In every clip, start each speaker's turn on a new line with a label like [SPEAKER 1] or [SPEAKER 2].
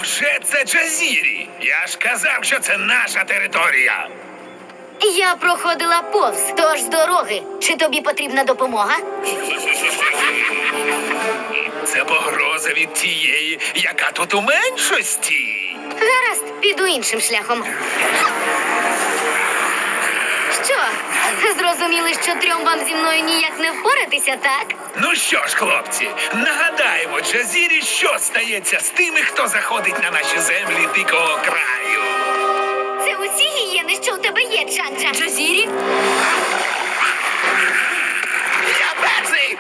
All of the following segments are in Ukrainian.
[SPEAKER 1] Невже це Джазірі? Я ж казав, що це наша територія.
[SPEAKER 2] Я проходила повз, тож з дороги. Чи тобі потрібна допомога?
[SPEAKER 1] Це погроза від тієї, яка тут у меншості.
[SPEAKER 2] Гаразд, піду іншим шляхом. Що? Зрозуміли, що трьом вам зі мною ніяк не впоратися, так?
[SPEAKER 1] Ну що ж, хлопці, нагадаємо Джазірі, що стається з тими, хто заходить на наші землі дикого краю.
[SPEAKER 2] Це усі гієни, що у тебе є, Джанджа.
[SPEAKER 3] Джазірі?
[SPEAKER 1] Я перший!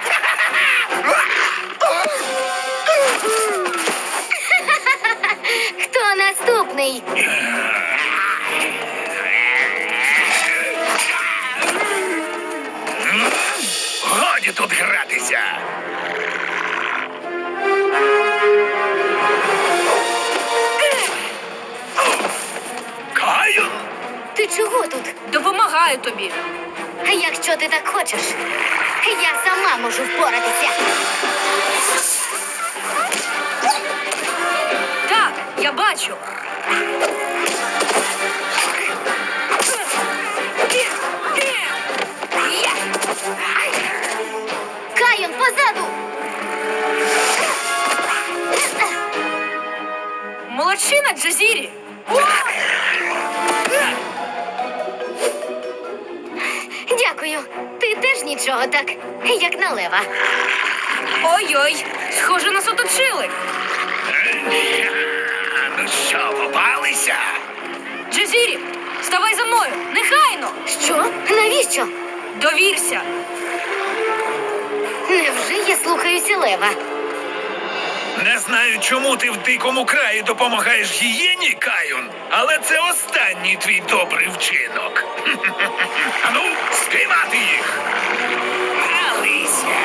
[SPEAKER 2] Хто наступний?
[SPEAKER 1] Годі тут гратися! Каюн?
[SPEAKER 2] Ти чого тут?
[SPEAKER 3] Допомагаю тобі.
[SPEAKER 2] Якщо ти так хочеш, я сама можу впоратися.
[SPEAKER 3] Так, я бачу.
[SPEAKER 2] Кайон, позаду!
[SPEAKER 3] Молодчина, Джазірі.
[SPEAKER 2] Дякую. Ти теж нічого так, як на лева.
[SPEAKER 3] Ой-ой, схоже, нас оточили.
[SPEAKER 1] Ну що, попалися?
[SPEAKER 3] Джазірі, ставай за мною, нехайно.
[SPEAKER 2] Що? Навіщо?
[SPEAKER 3] Довірся.
[SPEAKER 2] Невже я слухаюся лева?
[SPEAKER 1] Не знаю, чому ти в дикому краї допомагаєш гієні, Каюн, але це останній твій добрий вчинок. Ану, спіймати їх! Алися!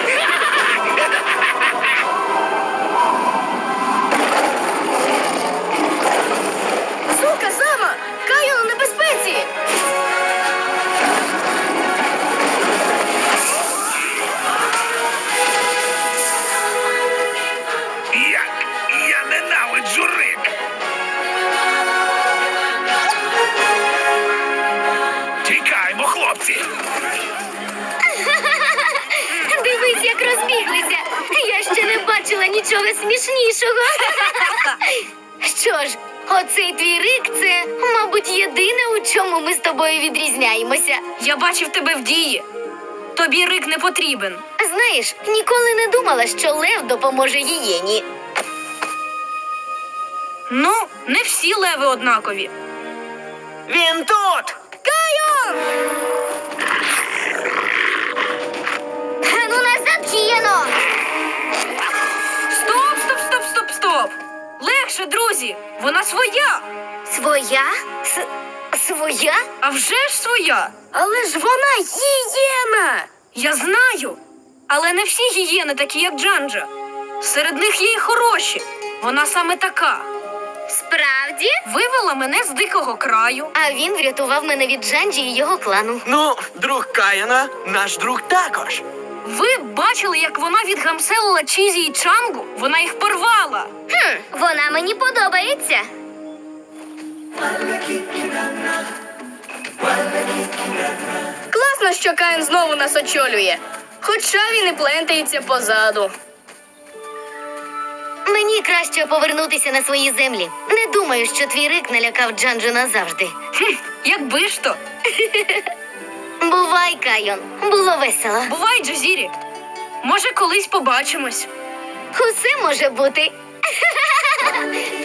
[SPEAKER 2] Сука, Зама! Кайон у небезпеці!
[SPEAKER 1] Я ненавиджу рик! Тікаймо, хлопці!
[SPEAKER 2] Дивись, як розбіглися! Я ще не бачила нічого смішнішого. Що ж, оцей твій рик – це, мабуть, єдине, у чому ми з тобою відрізняємося.
[SPEAKER 3] Я бачив тебе в дії. Тобі рик не потрібен.
[SPEAKER 2] Знаєш, ніколи не думала, що лев допоможе гієні.
[SPEAKER 3] Ну, не всі леви однакові.
[SPEAKER 4] Він тут!
[SPEAKER 2] Кайон! Ну назад, гієно!
[SPEAKER 3] Стоп, стоп, стоп, стоп, стоп. Легше, друзі, вона своя.
[SPEAKER 2] Своя? Своя?
[SPEAKER 3] А вже ж своя.
[SPEAKER 2] Але ж вона гієна!
[SPEAKER 3] Я знаю. Але не всі гієни такі, як Джанджа. Серед них є й хороші. Вона саме така.
[SPEAKER 2] Справді?
[SPEAKER 3] Вивела мене з дикого краю.
[SPEAKER 2] А він врятував мене від Джанджі і його клану.
[SPEAKER 4] Ну, друг Каяна, наш друг також.
[SPEAKER 3] Ви бачили, як вона відгамселила Чізі і Чангу? Вона їх порвала.
[SPEAKER 2] Вона мені подобається.
[SPEAKER 5] Класно, що Каїн знову нас очолює. Хоча він і плентається позаду.
[SPEAKER 2] Мені краще повернутися на свої землі. Не думаю, що твій рик налякав Джанджу назавжди.
[SPEAKER 3] Якби ж то.
[SPEAKER 2] Бувай, Кайон. Було весело.
[SPEAKER 3] Бувай, Джазірі. Може, колись побачимось.
[SPEAKER 2] Усе може бути.